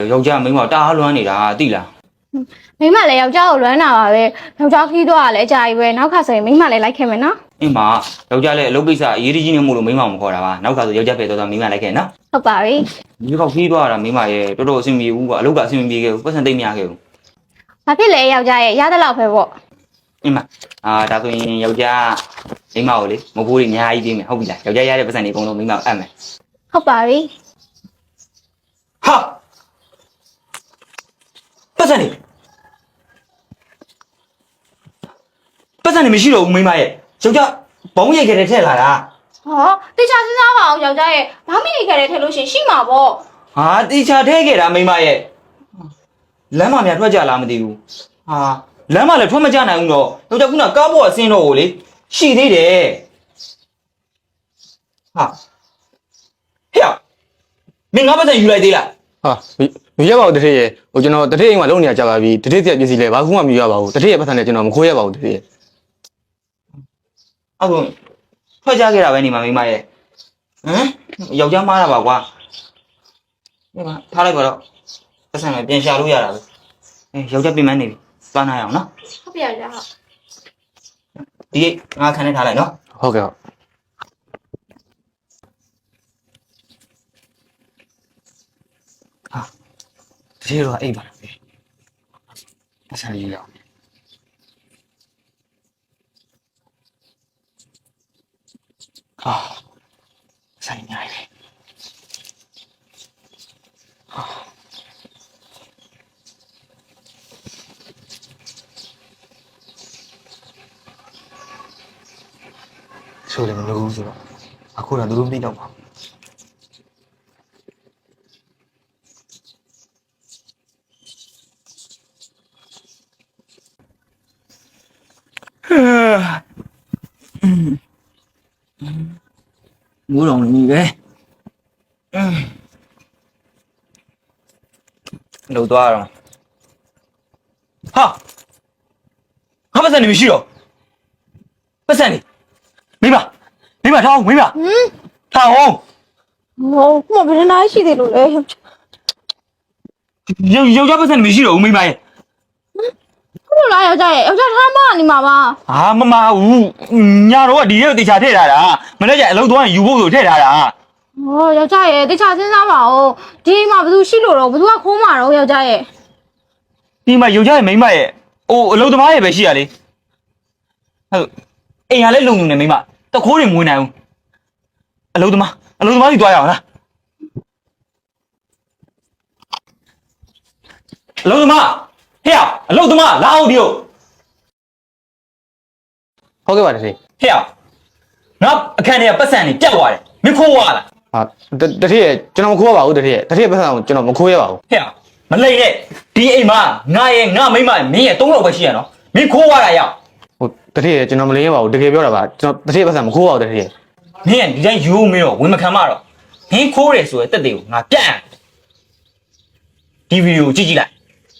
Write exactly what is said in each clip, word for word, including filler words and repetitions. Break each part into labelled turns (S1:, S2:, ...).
S1: ယောက်ျားမိန်းမတားလွမ်းနေတာသိလား
S2: မိန်းမလည်းယောက်ျားကိုလွမ်းတာပါပဲယောက်ျားခီးသွားတာလည်းအကြာကြီးပဲနောက်ခါဆိုရင်မိန်းမလည်းလိုက်ခဲ့မယ်နော်
S1: အင်းမယောက်ျားလည်းအလုပ်ကိစ္စအရေးကြီးနေမို့လို့မိန်းမမခေါ်တာပါနောက်ခါဆိုယောက်ျားပဲတော့မိန်းမလိုက်ခဲ့နော်
S2: ဟုတ်ပါပြီ
S1: ဒီကောက်ခီးသွားတာမိန်းမရဲ့တော်တော်အဆင်ပြေဘူးကွာအလုပ်ကအဆင်ပြေခဲ့ဘူးပတ်စံသိမ့်မရခဲ့ဘူး
S2: ဘာဖြစ်လဲယောက်ျားရဲ့ရတဲ့လောက်ပဲပေါ့
S1: အင်းမအာဒါဆိုရင်ယောက်ျားမိန်းမကိုလေမဖိုးတွေအများကြီးပေးမယ်ဟုတ်ပြီလားယောက်ျားရတဲ့ပတ်စံတွေအကုန်လုံးမိန်းမအပ်မယ်
S2: ဟုတ်ပါပြီ
S1: ဟာပတ်စံတွေပတ်စံတွေမရှိတော့ဘူးမိန်းမရဲ့ယောက်ျားဘုံရိတ်ခဲ့တဲ့ထည့်လာတာ
S2: ဟောတေချာစဉ်းစားပါအောင်ယောက်ျားရဲ့ဘာမိနေခဲ့တဲ့ထည့်လို့ရှင်ရှိမှာပေါ့
S1: ဟာတေချာထဲခဲ့တာမိန်းမရဲ့လမ်းမများထွက်ကြလားမသိဘူးဟာလမ်းမလည်းထွက်မကြနိုင်ဘူးတော့ယောက်ျားခုနကားပေါ်အဆင်းတော့ကိုလေရှိသေးတယ်ဟာဟဲ့မင်းငါပတ်စံယူလိုက်သေးလား
S3: ဟာမရပါဘူးတထေးရဲ့ဟိုကျွန်တော်တထေးအိမ်မှာလုံနေရကြပါပြီတထေးတက်ပစ္စည်းလဲဘာခုမှမရပါဘူးတထေးရဲ့ပတ်စံနဲ့ကျွန်တော်မခိုးရပါဘူးတထေးရဲ့
S1: အခုထွက်ကြခဲ့တာပဲနေမှာမိမရဲ့ဟမ်ယောက်ျားမားတာပါကွာဒီမှာထားလိုက်ပါတော့ပတ်စံနဲ့ပြန်ရှာလို့ရတာပဲအဲယောက်ျားပြင်မနေပြီသွားနိုင်အောင်နော်
S2: ဟုတ်ပြီယောက်ျားဟုတ်
S1: ဒီငါခံနေထားလိုက်နော်
S3: ဟုတ်ကဲ့ဟုတ်
S1: ဟာဒီတော့အိပ်ပါလားပတ်စံလေးရအောင်ဟာဆိုင်နေရတယ်ဟာဆိုလည်းမလုပ်ဘူးဆိုတော့အခုတော့သူတို့မသိတော့ပါဘူးမိုးတော်နေပဲလှုပ်သွားတော့ဟာငါပတ်စံနေမရှိတော့ပတ်စံနေမိမမိမထားအောင်မိမဟမ်ထားအောင်
S2: ဟိုခုမှဘယ်နှနိုင်ရှိသေးလို့လဲ
S1: ယောက်ယောက်ျားပတ်စံနေမရှိတော့ဘူးမိမရဲ့
S2: ခုလိုလားယောက်ျားရဲ့ယောက်ျားထားမနေမှာပါ
S1: ဟာမမဘူးညာတော့ဒီရက်တေချာထည့်ထားတာမနေ့ကအလုပ်သွားရင်ယူဖို့ဆိုထည့်ထားတာ
S2: ဟောယောက်ျားရဲ့တေချာစဉ်းစားပါဦးဒီမှာဘယ်သူရှိလို့တော့ဘယ်သူကခိုးမှာတော့ယောက်ျားရဲ့
S1: ဒီမှာယောက်ျားရဲ့မိန်းမရဲ့အိုးအလုပ်သမားရဲ့ပဲရှိရလေဟုတ်အိမ်ကလည်းလုံလုံနေမိန်းမတခိုးတွေမဝင်နိုင်ဘူးအလုပ်သမားအလုပ်သမားကြီးသွားရအောင်လားအလုပ်သမားဟဲ့အလုပ်သမားလာအောင်ဒီကို
S3: ဟုတ်ကဲ့ပါတထေး
S1: ဟဲ့ငါအခန်းထဲကပတ်စံနေပြတ်သွားတယ်မင်းခိုးသွားလား
S3: ဟာတထေးရဲ့ကျွန်တော်မခိုးရပါဘူးတထေးရဲ့တထေးပတ်စံကိုကျွန်တော်မခိုးရပါဘူး
S1: ဟဲ့မလိမ့်နဲ့ဒီအိမ်မှာငါရဲ့ငါမိန်းမမင်းရဲ့သုံးလောက်ပဲရှိရနော်မင်းခိုးသွားတာရောက်
S3: ဟိုတထေးရဲ့ကျွန်တော်မလိမ့်ရပါဘူးတကယ်ပြောတာပါကျွန်တော်တထေးပတ်စံမခိုးပါဘူးတထေးရဲ့
S1: မင်းဒီတိုင်းယူမင်းတော့ဝင်မခံမတော့မင်းခိုးတယ်ဆိုရတဲ့တက်တွေကိုငါပြတ်ဒီဗီဒီယိုကြည့်ကြည့်လိုက်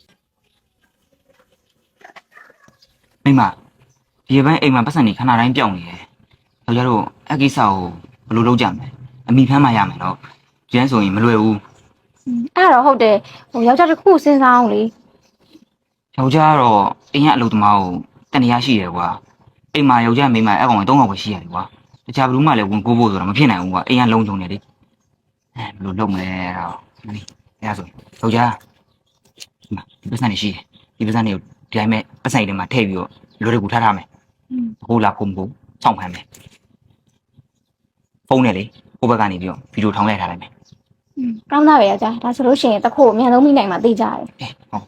S1: မိမဒီဘက်အိမ်မှာပတ်စံနေခဏတိုင်းပြောင်းနေတယ်ယောက်ျားတို့အကိစ္စကိုဘယ်လိုလုပ်ကြမလဲအမိဖမ်းမှရမယ်တော့ကျန်းဆိုရင်မလွယ်ဘူး
S2: အဲ့တော့ဟုတ်တယ်ဟိုယောက်ျားတစ်ခုစဉ်းစားအောင်လေ
S1: ယောက်ျားတော့အိမ်ကအလုပ်သမားကိုတန်တရားရှိတယ်ကွာအိမ်မှာယောက်ျားမိန်းမအဲ့ကောင်ကသုံးကောင်ပဲရှိရတယ်ကွာတခြားဘယ်သူမှလည်းဝင်ကိုးဖို့ဆိုတာမဖြစ်နိုင်ဘူးကွာအိမ်ကလုံးချုံနေလေအဲဘယ်လိုလုပ်မလဲတော့မင်းအဲ့ဒါဆိုယောက်ျားဒီမှာဒီပတ်စံနေရှိတယ်ဒီပတ်စံနေကိုဒီတိုင်းမဲ့ပတ်စံတွေမှာထည့်ပြီးတော့လူတွေကိုထားထားမယ်ဟိုလာဖုန်းကိုစောင့်ဖမ်းမယ်ဖုန်းနဲ့လေဟိုဘက်ကနေပြီးတော့ဗီဒီယိုထောင်းလိုက်ထားလိုက်မယ်
S2: อืมကောင်းတာပဲယောက်ျားဒါဆိုလို့ရှိရင်တခို့အမြန်ဆုံးမိနိုင်မှာသိကြတယ်
S1: အေးဟုတ်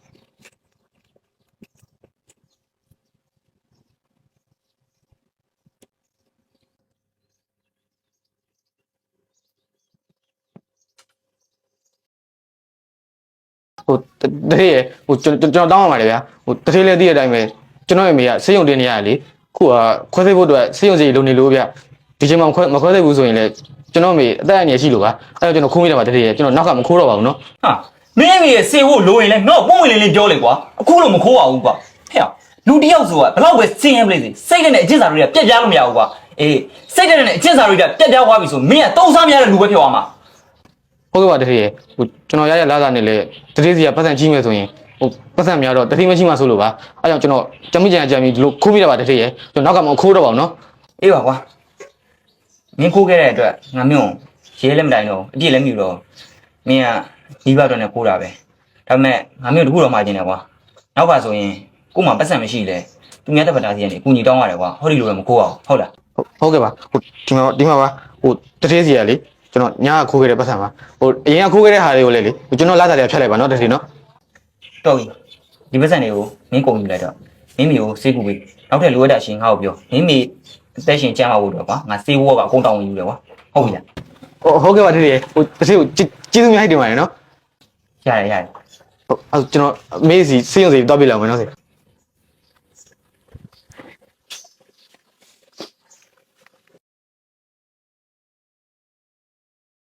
S3: ဟိုတထေးရဲ့ဟိုကျွန်တော်ကျွန်တော်တောင်းရပါတယ်ဗျာဟိုတထေးလည်းသိတဲ့အတိုင်းပဲကျွန်တော်ရဲ့မိကစေးရုံတင်နေရလေခုကခွဲသိဖို့အတွက်စေးရုံစီလုံနေလို့ဗျဒီချိန်မှာခွဲမခွဲသိဘူးဆိုရင်လည်းကျွန်တော်မိအသက်အန္တရာယ်ရှိလို့ပါအဲ့တော့ကျွန်တော်ခိုးမိတယ်ပါတထေးရဲ့ကျွန်တော်နောက်ကမခိုးတော့ပါဘူးနော်
S1: ဟာမင်းမိရဲ့စေဖို့လိုရင်လည်းငါ့ပုံဝင်လေးလေးပြောလေကွာအခုလို့မခိုးပါဘူးကွာဟဲ့လူတယောက်ဆိုတာဘလောက်ပဲစင်ရပလိစေစိတ်နဲ့အကျင့်စာတွေကပြက်ပြားလို့မရဘူးကွာအေးစိတ်နဲ့အကျင့်စာတွေကပြက်ပြားသွားပြီဆိုမင်းကတုံးစားမရတဲ့လူပဲဖြစ်သွားမှာ
S3: ဟုတ်ကဲ့ပါတတိယဟိုကျွန်တော်ရရလာတာနဲ့လေတတိယစီကပတ်စံကြီးမယ်ဆိုရင်ဟိုပတ်စံများတော့တတိမရှိမှဆိုလို့ပါအဲကြောင့်ကျွန်တော်ကြမ်းမိကြံကြမ်းပြီးဒီလိုခိုးပြရပါတတိယကျွန်တော်နောက်ကမှခိုးတော့ပါအောင်နော်
S1: အေးပါကွာမင်းခိုးခဲ့တဲ့အတွက်ငါမျိုးရဲလည်းမတိုင်တော့အပြည့်လည်းမြူတော့မင်းကဒီဘက်တော့နဲ့ခိုးတာပဲဒါပေမဲ့ငါမျိုးတခုတော့မှာကျင်တယ်ကွာနောက်ကဆိုရင်ကို့မှာပတ်စံမရှိလေသူများတက်ပတာစီကနေအကူညီတောင်းရတယ်ကွာဟောဒီလိုပဲမခိုးအောင်ဟုတ်လား
S3: ဟုတ်ကဲ့ပါဟိုဒီမှာဒီမှာပါဟိုတတိယစီကလေကျွန်တော်ညာခိုးခဲ့တဲ့ပတ်စံပါဟိုအရင်ကခိုးခဲ့တဲ့ဟာတွေကိုလေလေကျွန်တော်လာစားတယ်ဖြတ်လိုက်ပါနော်တတိယနော်
S1: တော်ပြီဒီပတ်စံတွေကိုမင်းကုန်ယူလိုက်တော့မင်းမီကိုစေးကူပေးနောက်ထပ်လိုအပ်တာရှင်ငါ့ကိုပြောမင်းမီအသက်ရှင်ကြမ်းပါဖို့တော့ကွာငါစေးဝေါကအကုန်တောင်းဝင်ယူတယ်ကွာဟုတ်ပြီလား
S3: ဟိုဟုတ်ကဲ့ပါတတိယဟိုတတိယကိုကျေးဇူးများတင်ပါတယ်နော်
S1: ရတယ်ရတယ်
S3: ဟုတ်အဲကျွန်တော်မေးစီစေးရုံစီတောက်ပြလောက်မယ်နော်စေ